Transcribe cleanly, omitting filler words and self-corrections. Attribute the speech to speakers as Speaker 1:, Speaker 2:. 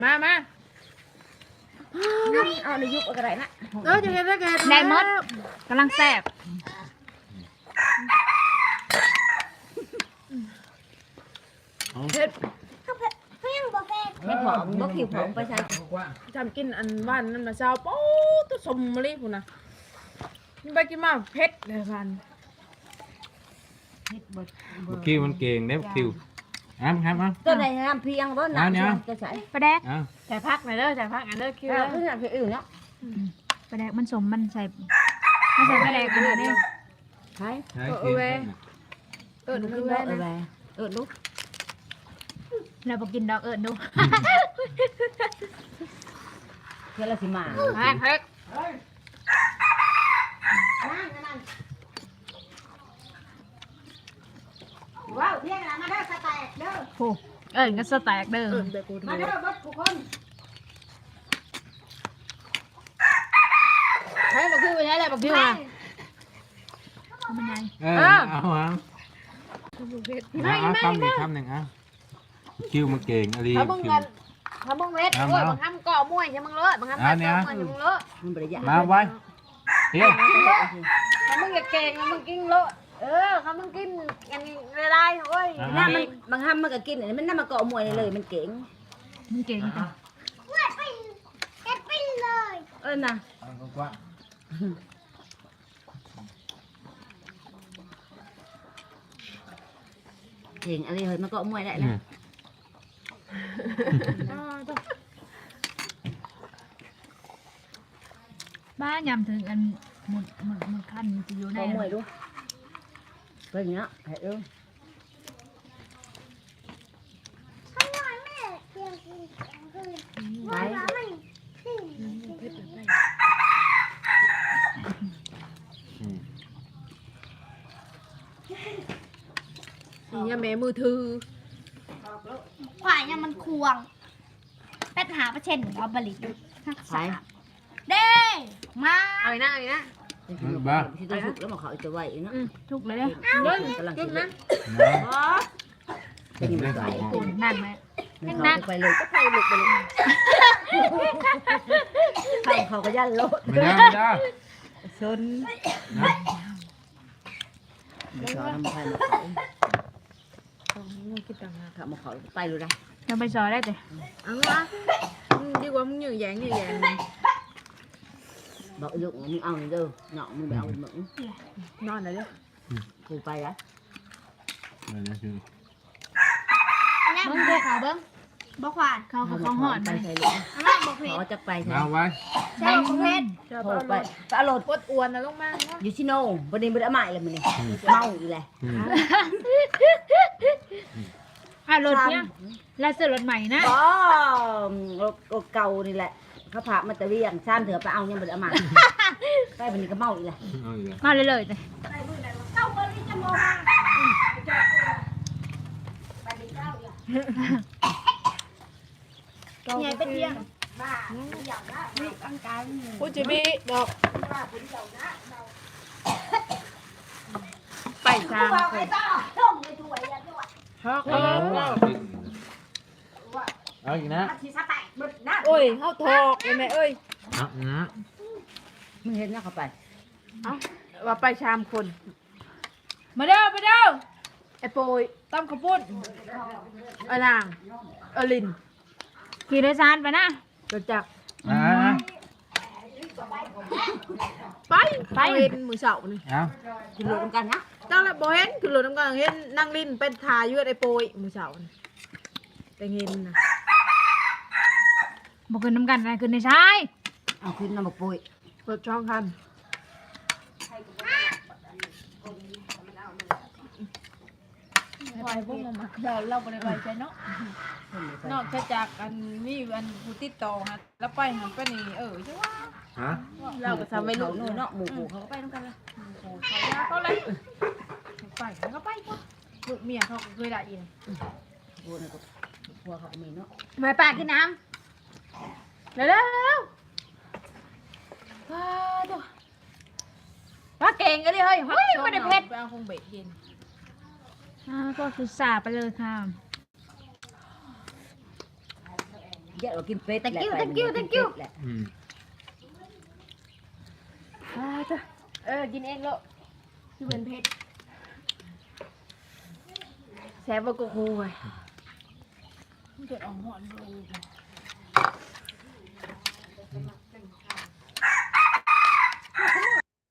Speaker 1: มา
Speaker 2: เอาในยุคอะไรนะ
Speaker 1: จะเห็นได้ไง
Speaker 3: ได้หมดกำลังแซ่บ
Speaker 1: เห็ด
Speaker 2: เฮ็ดหอมบ่ผิวหอมไปใช่
Speaker 1: จำกินอันว่านนั่นมาเช้าโป๊ตัวสมมะลิพุ่นนะนี่ไปกินมาเผ็ดเลยพัน
Speaker 4: คิวมันเก่งเด้คิวครับ
Speaker 2: ตัวไหนน้ำเพียงบ่น้ำจะใส่
Speaker 3: ปลาแดก
Speaker 1: ใส่พักหน่อยเด้อใส่พักอันเด้อคิว
Speaker 2: แล้วก็น้ำเพียงอื่นเนาะ
Speaker 3: ปลาแดกมันสมมันใส่ปลาแดกกันเลย
Speaker 2: ใช่
Speaker 1: คือแว่
Speaker 2: ลูก
Speaker 3: เราบอกกินดอกดู
Speaker 2: เพื่อเราสิมา
Speaker 1: เผ็ด
Speaker 2: ว้าวเที่ยงแล้วมาเด้อสแต็กเด้อ
Speaker 3: โอ้ก็สแต็กเด้อ
Speaker 2: มาเด้อเบิดทุกคน
Speaker 1: ให้บักคิวไปใช้อะไรบักคิวอ่ะ
Speaker 3: มันไง
Speaker 4: เอาคำหนึ่งคิวมันเก่งอะไร
Speaker 1: ถ้ามึงเงินถ้ามึงเวทโอ้ยบางคำก่อมวยอย่ามึงเลอะบางคำก่อมวยอย่ามึงเลอะ
Speaker 2: มันบ่ได้ยาก
Speaker 4: มาไว้เฮ้ย
Speaker 1: ถ้ามึงอยากเก่งมึงกินเลอะถ้ามึงกินอย่างนี้ลายโอ้ย
Speaker 2: น้ำมันบางห้ามมันก็กินมันน้ำมันเกาะมวยเลยมันเก่ง
Speaker 3: มันเก่งจัง
Speaker 2: นะ เก่งอะไรเฮ้ยมันเกาะมวยได้แล้ว
Speaker 3: บ้ายำถึงอันหมดขั้นจะอยู่ใน
Speaker 2: เกาะมวยดูเป็นอย่างเงี้ยเฮ้ยไป
Speaker 1: นี่แม่มือถือ
Speaker 5: ขวายยังมันควงเป็ดหาประเช่นเอาบริทัก
Speaker 2: ไป
Speaker 5: ษะเด้มา
Speaker 1: เอาอีกนะเอาอีกนะ
Speaker 2: ที่ตัวสุกแล้วมาเขาจะไหวเนาะ
Speaker 3: ทุกเลยเนี่ย
Speaker 2: กำลังกินนะ
Speaker 4: เป็นเรื่องของ
Speaker 3: กูนั่นไหม
Speaker 2: เขาไปเลยก็ไปหลุดไปเลยเขาก็ยันโลด
Speaker 4: ไม่ได้
Speaker 2: ชนไม่ชอบทำใครมาเขาคิดต่างหากเขามาเขาไปเลยได้
Speaker 3: จะไปซอยได้แต่
Speaker 1: เอาวะดีกว่ามึงอยู่แยง
Speaker 2: บอกลูกมึงเอาเด้อเนาะมึงไปเอามึง
Speaker 1: นอนเลยเด้อ
Speaker 2: กูไปละ
Speaker 3: มึงดูเขาเบิ้ง
Speaker 5: บ่ขวาน
Speaker 3: เขาหอด
Speaker 2: ไป
Speaker 3: ไป
Speaker 2: ใส่ลูก
Speaker 5: อันนั้นบ่เผ็ด
Speaker 2: เขาจะไปใส่
Speaker 4: เอาไว้
Speaker 5: ใช่บ่เผ็ด
Speaker 2: โทรไปไปเอารถ
Speaker 1: ปวดอ้วนนะลงมา
Speaker 2: อยู่ที่โน่ประเด็นประเด็นใหม่เลยมึงนี่เมาอีกเลย
Speaker 3: รถเนี่ยแล้วซื้อรถใหม่นะ
Speaker 2: อ๋อรถเก่านี่แหละเขาพามาตะเวียงซ้ำเถื่อไปเอายังประเด็นใหม่ไปวันนี้ก็เมาอีกเลย
Speaker 3: มาเลยเลยแต่
Speaker 5: ใหญ่เป็นเที่ยง
Speaker 1: พูดจีบีดอกไปทาง
Speaker 4: เอาอีกนะ
Speaker 1: โอ้ยเขาทอกเลยแม่เอ้ย
Speaker 2: มึงเห็นนะเขาไป
Speaker 1: ว่าไปชามคนมาเด้อไอ้โปยต้มข้าวปุ้นไอ้นางลิน
Speaker 3: ขี่โดยสารไปนะ
Speaker 1: เกิดจาก ไปเห็นมือเสานี่
Speaker 4: เอา
Speaker 2: กินรถกันนะ
Speaker 1: ตั้งแต่บ่เห็นคือรถน้ำกันเห็นนั่งลินเป็นทายืดไอ้โปยมือเสานี่แต่เห็นนะ
Speaker 3: บอกขึ้นน้ำกันอะไรขึ้นในชาย
Speaker 2: เอาขึ้นน้ำบกปุย
Speaker 1: เปิดช่องคันไปพวกมันเราไปไปใจเนาะนอกจากอันนี้อันผู้ติดต่อฮะแล้วไปหันไปนี่ใช่ว่า
Speaker 4: ฮะ
Speaker 1: เราก็ทำไม่รู้
Speaker 2: นู่นเนาะหมูเขาก็ไปน้ำกันเลย
Speaker 1: เขาเลยไปก็ไปก็ลูกเมียเขาเคยได้ยิน
Speaker 2: พัวนี่ก็พัวเขาก็มีเนาะ
Speaker 3: มาปากินน้
Speaker 1: เร็วว่าเก่งกันดิเฮ้ยไม่ได้เพชรไปเอาคงเบ็ดเย็น
Speaker 3: ำก็สุดสาไปเลยค่ะ
Speaker 2: เยอะกว่ากินเป็ดแหละ
Speaker 5: Thank you,
Speaker 2: ไป
Speaker 5: thank you,
Speaker 2: มัน
Speaker 5: thank you
Speaker 2: กินเป็ดแหละ
Speaker 4: อืม
Speaker 1: กินเองแล้วที่เป็นเพชรแซ่บกว่ากูเว้ยมันเกิดออกหอนเลย